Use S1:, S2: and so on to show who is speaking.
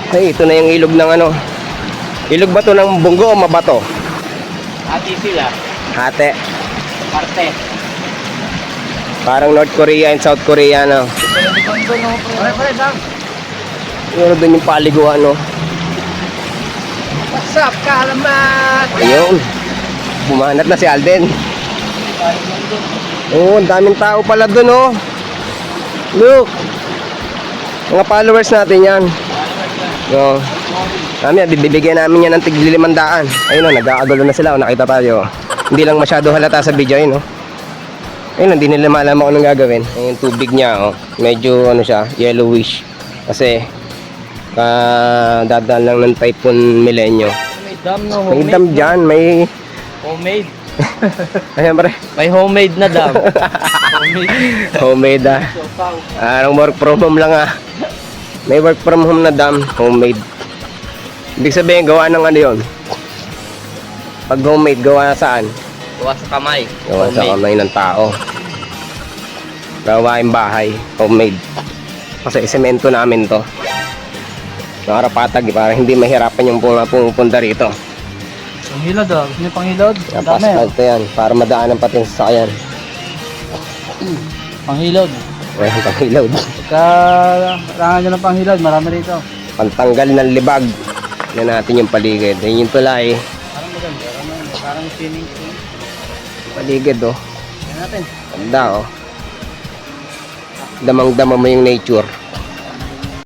S1: Ay, ito na yung ilog ng ano. Ilog ba to ng Bungo o Mabato?
S2: Ati sila.
S1: Hate.
S2: Parte.
S1: Parang North Korea and South Korea, no?
S2: Pare, dam.
S1: Yun doon yung paliguan, no?
S2: What's up, kalamat?
S1: Ayun. Bumanat na si Alden. Oo, ang daming tao pala doon, oh. Look. Mga followers natin yan. No. Mamaya, bibigyan namin yan ng tig-500. Ayun, oh, nag-aagulo na sila. Oh, nakita tayo. Hindi lang masyado halata sa video, ayun, oh. Ayun, hindi nila malaman kung anong gagawin. Ayun, yung tubig niya, oh. Medyo, ano siya, yellowish. Kasi, dadaan lang ng Typhoon Milenyo.
S2: May dam no,
S1: May
S2: homemade.
S1: dam dyan, may...
S2: Homemade.
S1: Ayan, pre.
S2: May homemade na dam. Homemade.
S1: Homemade, ah. Parang work from home lang, ah. May work from home na dam, homemade. Ibig sabihin, gawa ng ano yun? Pag homemade, gawa saan?
S2: Gawa sa kamay.
S1: Gawa sa kamay ng tao. Gawain bahay, homemade. Kasi semento namin to. Nakarapatag, para hindi mahirapan yung pumunta rito.
S2: Panghilod ah. Gusto niyo panghilod?
S1: Napasfalt to yan, para madaanan pati yung sasakyan.
S2: Panghilod.
S1: Ayan, pang-reload.
S2: Pagka kailangan nyo ng panghilod, marami rito.
S1: Pantanggal ng libag. Yan natin yung paligid. Yan yung tulay.
S2: Parang maganda. Parang swimming pool.
S1: Paligid, oh.
S2: Yan natin.
S1: Ganda, oh. Damang-dama mo yung nature.